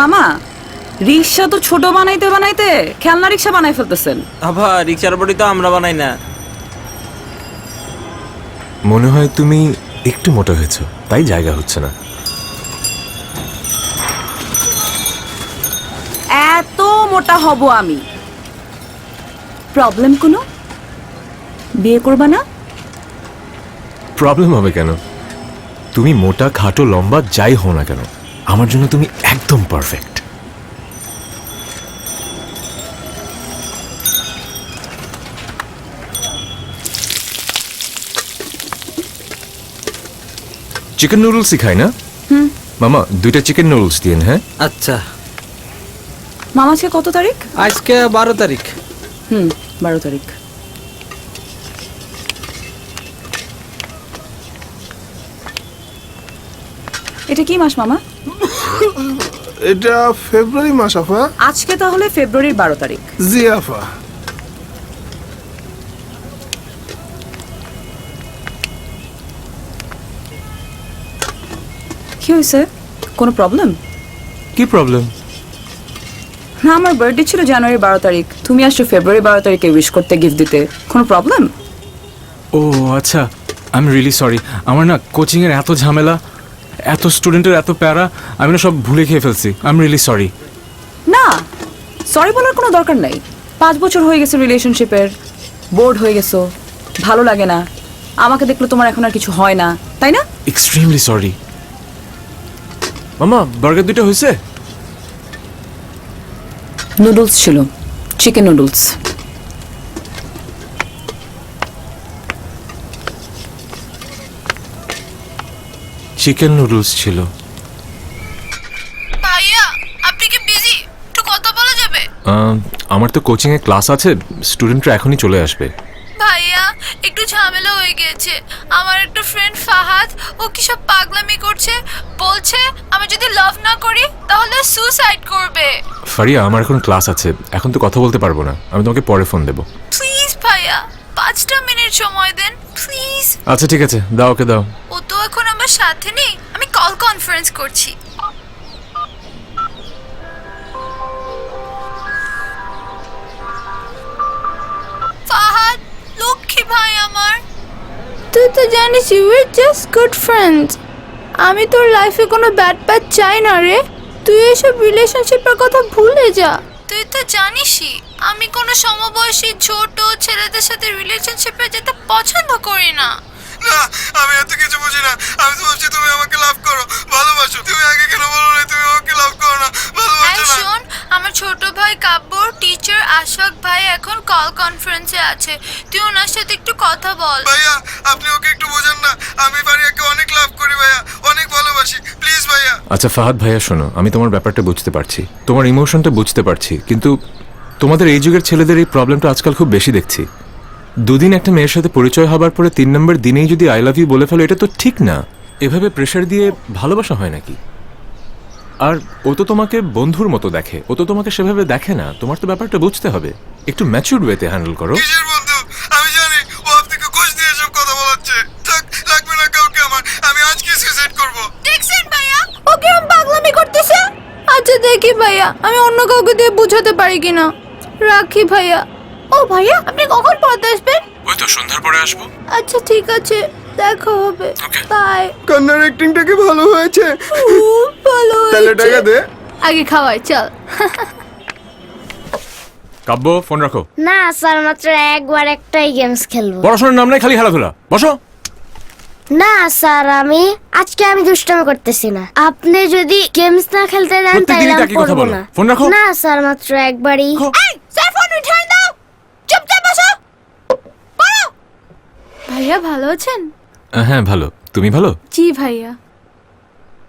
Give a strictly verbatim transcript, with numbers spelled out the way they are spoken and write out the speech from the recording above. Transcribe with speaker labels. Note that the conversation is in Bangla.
Speaker 1: মামা রিক্সা তো ছোট বানাইতে বানাইতে খেলনা রিক্সা বানাই ফেলতেছেন।
Speaker 2: আবার রিক্সার বডি তো আমরা বানাই না।
Speaker 3: মনে হয় তুমি একটু মোটা হয়েছো, তাই জায়গা হচ্ছে না।
Speaker 1: এত মোটা হব আমি? প্রবলেম কোনো? বিয়ে করবা না?
Speaker 3: প্রবলেম হবে কেন? তুমি মোটা খাটো লম্বা যাই হও না কেন, আমার জন্য তুমি একদম পারফেক্ট। চিকেন নুডলস খাই না?
Speaker 1: হুম
Speaker 3: মামা দুইটা চিকেন নুডলস দিন। হ্যাঁ
Speaker 2: আচ্ছা।
Speaker 1: মামা আজকে কত তারিখ?
Speaker 2: আজকে বারো তারিখ।
Speaker 1: হুম বারো তারিখ। এটা কি মাস মামা?
Speaker 4: এটা ফেব্রুয়ারি মাস আফা।
Speaker 1: আজকে তাহলে ফেব্রুয়ারির বারো তারিখ।
Speaker 4: জি আফা।
Speaker 1: কি হয়েছে? কোনো প্রবলেম?
Speaker 3: কি প্রবলেম?
Speaker 1: না আমার বার্থডে ছিল জানুয়ারি বারো তারিখ, তুমি আসছো ফেব্রুয়ারি বারো তারিখে উইশ করতে, গিফট দিতে। কোনো প্রবলেম?
Speaker 5: ও আচ্ছা, আই এম রিয়েলি সরি। আমার না কোচিংয়ের এত ঝামেলা, এত স্টুডেন্টের এত প্যারা, আমি না সব ভুলে খেয়ে ফেলছি। I am really sorry.
Speaker 1: না সরি বলার কোনো দরকার নাই। পাঁচ বছর হয়ে গেছে রিলেশনশিপের, বোর্ড হয়ে গেছো, ভালো লাগে না, আমাকে দেখলে তোমার এখন আর কিছু হয় না, তাই না?
Speaker 5: Extremely sorry. মামা বার্গার দুটো হয়েছে?
Speaker 1: নুডলস ছিল, চিকেন নুডলস।
Speaker 3: চিকেন নুডলস ছিল।
Speaker 6: ভাইয়া আপনি কি বিজি? একটু কথা বলা যাবে?
Speaker 3: আহ, আমার তো কোচিংয়ে ক্লাস আছে, স্টুডেন্টরা এখনই চলে আসবে।
Speaker 6: ভাইয়া একটু ঝামেলা হয়ে গেছে। আমার একটা ফ্রেন্ড ফাহাদ, ও কি সব পাগলামি করছে, বলছে আমি যদি লাভ না করি তাহলে সুসাইড করবে।
Speaker 3: ফারিয়া আমার এখন ক্লাস আছে, এখন তো কথা বলতে পারবো না, আমি তোমাকে পরে ফোন দেবো।
Speaker 6: প্লিজ ভাইয়া পাঁচটা মিনিট সময় দেন প্লিজ।
Speaker 3: আচ্ছা ঠিক আছে, দাও ওকে দাও।
Speaker 6: ও তো এখন আমার সাথে নেই, আমি কল কনফারেন্স করছি। ফাহাদ লক্ষ্মী ভাই আমার, তুই তো জানিস we are just good friends. আমি তোর লাইফে কোনো ব্যাড প্যাচ চাই না রে। তুই এসব রিলেশনশিপের কথা ভুলে যা। তুই তো জানিসই আমি কোনো সমবয়সী ছোট ছেলেদের সাথে রিলেশনশিপে যেতে পছন্দ করি না।
Speaker 4: না আমি এত কিছু বুঝি না। আমি তো ভাবছি তুমি আমাকে লাভ করো, ভালোবাসো। তুমি আগে কেন বলো না তুমি আমাকে লাভ করো না, ভালোবাসো না?
Speaker 6: শোন, আমার ছোট ভাই কাব্যর টিচার আশফাক ভাই এখন কল কনফারেন্সে আছে, তুই ওনার সাথে একটু কথা বল।
Speaker 4: ভাইয়া আপনি ওকে একটু বোঝান না, আমি ফারিয়াকে অনেক লাভ করি ভাইয়া, অনেক ভালোবাসি, প্লিজ ভাইয়া।
Speaker 3: আচ্ছা ফাহাদ ভাইয়া শোনো, আমি তোমার ব্যাপারটা বুঝতে পারছি, তোমার ইমোশনটা বুঝতে পারছি, কিন্তু তোমাদের এই যুগের ছেলেদের এই প্রবলেমটা আজকাল খুব বেশি দেখছি। দুদিন একটা মেয়ের সাথে পরিচয় হবার পরে তিন নম্বর দিনেই যদি আই লাভ ইউ বলে ফেলো, এটা তো ঠিক না। এভাবে প্রেশার দিয়ে ভালোবাসা হয় নাকি? আর ও তো তোমাকে বন্ধুর মতো দেখে, ও তো তোমাকে সেভাবে দেখে না। তোমার তো ব্যাপারটা বুঝতে হবে, একটু ম্যাচিউরড ওয়েতে হ্যান্ডেল করো।
Speaker 4: কিসের বন্ধু? আমি জানি ও আপনাকে ঘুষ দিয়ে সব কথা বলাচ্ছে। থাক, লাগবে না কাউকে আমার, আমি আজকে সুইসাইড করব।
Speaker 6: দেখছেন ভাইয়া ও কিরম পাগলামি করতেছে। আচ্ছা দেখি ভাইয়া আমি অন্য কাউকে দিয়ে বুঝাতে পারি কিনা। রাখি ভাইয়া। ও ভাইয়া আপনি কখন পড়তে আসবেন?
Speaker 5: ওই তো সন্ধ্যার পরে আসবো।
Speaker 6: আচ্ছা ঠিক আছে, দেখা হবে। বাই।
Speaker 4: কান্নার অ্যাক্টিংটা কি ভালো হয়েছে?
Speaker 6: খুব ভালো
Speaker 4: তাহলে টাকা দে।
Speaker 6: আগে খাওয়াই চল।
Speaker 3: কাব্য ফোন রাখো।
Speaker 7: না স্যার, মাত্র একবার একটাই গেমস খেলবো।
Speaker 3: পড়াশোনার নাম নাই, খালি খেলাধুলা। বসো।
Speaker 7: না স্যার, আমি আজকে আমি দুষ্টামি করতেছি না। আপনি যদি গেমস না খেলতে দেন তাহলে আমি
Speaker 3: প্রত্যেকদিনই একই কথা
Speaker 7: পড়বো
Speaker 3: বলো।
Speaker 7: না।
Speaker 3: ফোন রাখো।
Speaker 7: না স্যার, মাত্র একবারই।
Speaker 6: এই স্যার ফোন রিটার্ন দাও, চুপচাপ বসো। পড়ো। ভাইয়া ভালো আছেন?
Speaker 3: হ্যাঁ ভালো, তুমি ভালো?
Speaker 6: জি ভাইয়া।